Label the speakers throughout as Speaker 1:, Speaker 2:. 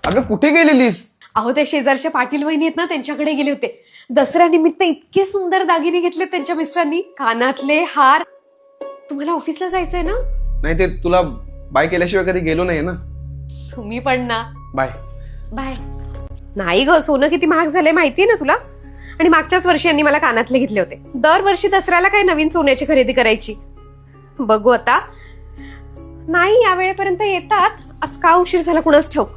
Speaker 1: अगं कुठे गेलेलीस?
Speaker 2: अहो ते शेजारच्या पाटील वहिनी आहेत ना, त्यांच्याकडे गेले होते. दसऱ्यानिमित्त इतके सुंदर दागिने घेतले त्यांच्या मिस्टरांनी, कानातले, हार. तुम्हाला ऑफिसला जायचंय ना?
Speaker 1: नाही, ते तुला बाय केल्याशिवाय कधी गेलो नाही ना.
Speaker 2: तुम्ही पण ना.
Speaker 1: Bye
Speaker 2: bye. नाही ग, सोनं किती महाग झालंय माहितीये ना तुला? आणि मागच्याच वर्षी यांनी मला कानातले घेतले होते. दरवर्षी दसऱ्याला काय नवीन सोन्याची खरेदी करायची. बघू आता. नाही, या वेळेपर्यंत येतात. आज का उशीर झाला कुणास ठाऊक.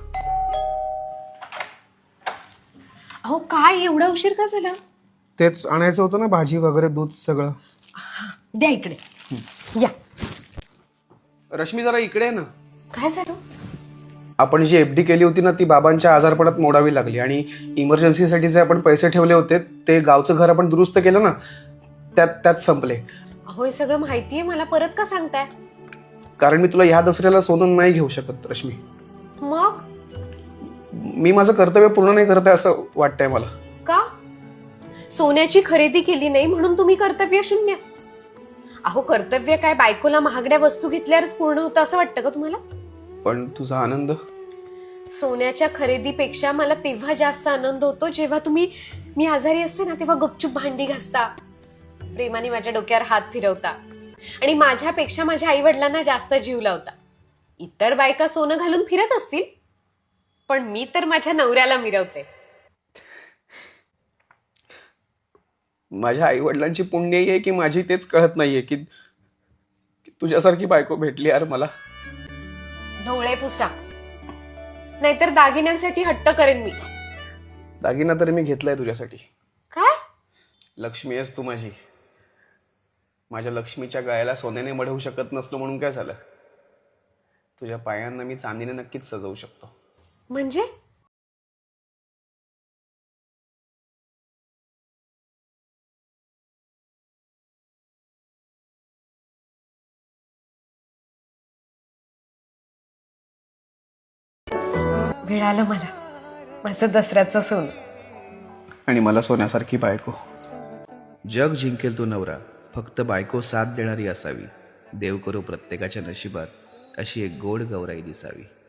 Speaker 2: अहो काय एवढा उशीर का झाला?
Speaker 1: तेच आणायचं होतं ना, भाजी वगैरे, दूध सगळं.
Speaker 2: द्या इकडे. या.
Speaker 1: रश्मी जरा इकडे आहे ना.
Speaker 2: काय झालं?
Speaker 1: आपण जी एफडी केली होती ना, ती बाबांच्या आजारपणात मोडावी लागली. आणि इमर्जन्सीसाठी जे आपण पैसे ठेवले होते, ते गावचं घर आपण दुरुस्त केलं ना, त्यात संपले.
Speaker 2: अहो हे सगळं माहितीये मला, परत का सांगताय?
Speaker 1: कारण मी तुला ह्या दसऱ्याला सोनं नाही घेऊ शकत रश्मी.
Speaker 2: मग
Speaker 1: मी माझं कर्तव्य पूर्ण नाही करत आहे असं वाटतंय मला.
Speaker 2: का? सोन्याची खरेदी केली नाही म्हणून तुम्ही कर्तव्य शून्य? अहो कर्तव्य काय बायकोला महागड्या वस्तू घेतल्यावरच पूर्ण होतं असं वाटतं का तुम्हाला?
Speaker 1: पण तुझा आनंद?
Speaker 2: सोन्याच्या खरेदीपेक्षा मला तेव्हा जास्त आनंद होतो जेव्हा मी आजारी असते ना, तेव्हा गपचूप भांडी घासता, प्रेमाने माझ्या डोक्यावर हात फिरवता आणि माझ्यापेक्षा माझ्या आई वडिलांना जास्त जीव लावता. इतर बायका सोनं घालून फिरत असतील, पण मी तर माझ्या नवऱ्याला मिरवते.
Speaker 1: माझ्या आई वडिलांची पुण्याई आहे की माझी तेच कळत नाहीये की तुझ्यासारखी बायको भेटली यार मला.
Speaker 2: ढोळे पुसा, नाहीतर दागिन्यांसाठी हट्ट करेन मी.
Speaker 1: दागिना तरी मी घेतलाय तुझ्यासाठी.
Speaker 2: काय?
Speaker 1: लक्ष्मी आहेस तू माझी. माझ्या लक्ष्मीच्या गळ्याला सोन्याने मढवू शकत नसलो म्हणून काय झालं? तुझ्या पायांना मी चांदीने नक्कीच सजवू शकतो.
Speaker 2: म्हणजे? मिळालं मला माझं दसऱ्याचं सोनं.
Speaker 1: आणि मला सोन्यासारखी बायको.
Speaker 3: जग जिंकेल तो नवरा, फक्त बायको साथ देणारी असावी. देव करो प्रत्येकाच्या नशिबात अशी एक गोड गौराई दिसावी.